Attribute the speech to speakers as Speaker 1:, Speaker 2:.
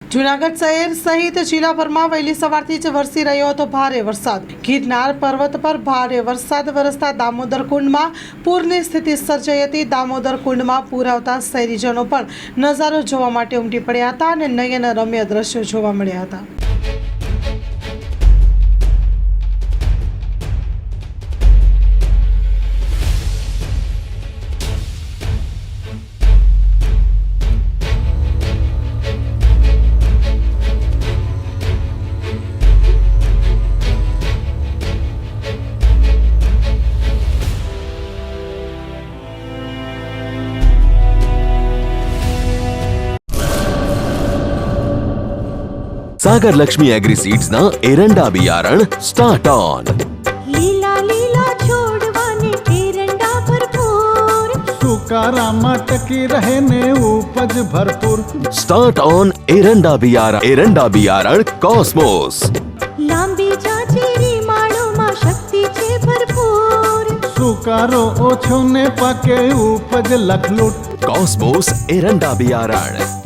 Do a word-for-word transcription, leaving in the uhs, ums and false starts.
Speaker 1: જૂનાગઢ શહેર સહિત જિલ્લાભરમાં વહેલી સવારથી જ વરસી રહ્યો હતો ભારે વરસાદ। ગિરનાર પર્વત પર ભારે વરસાદ વરસતા દામોદર કુંડમાં પૂરની સ્થિતિ સર્જાઈ હતી। દામોદર કુંડમાં પૂર આવતા શહેરીજનો પણ નજારો જોવા માટે ઉમટી પડ્યા હતા અને નયનરમ્ય દ્રશ્યો જોવા મળ્યા હતા।
Speaker 2: सागर लक्ष्मी एग्रीसीड्स ना एरंडा बियारण स्टार्ट ऑन।
Speaker 3: लीला लीला छोड़वाने एरंडा भरपूर,
Speaker 4: सुकारामा टकी रहे ने उपज भरपूर।
Speaker 2: स्टार्ट ऑन एरंडा बियारण एरंडा बियारण कॉस्मोस।
Speaker 3: लांबी जाचेरी माळो में शक्ति छे भरपूर,
Speaker 4: सुकारो ओछो ने पाके उपज लखलूट।
Speaker 2: कॉस्मोस एरंडा बियारण।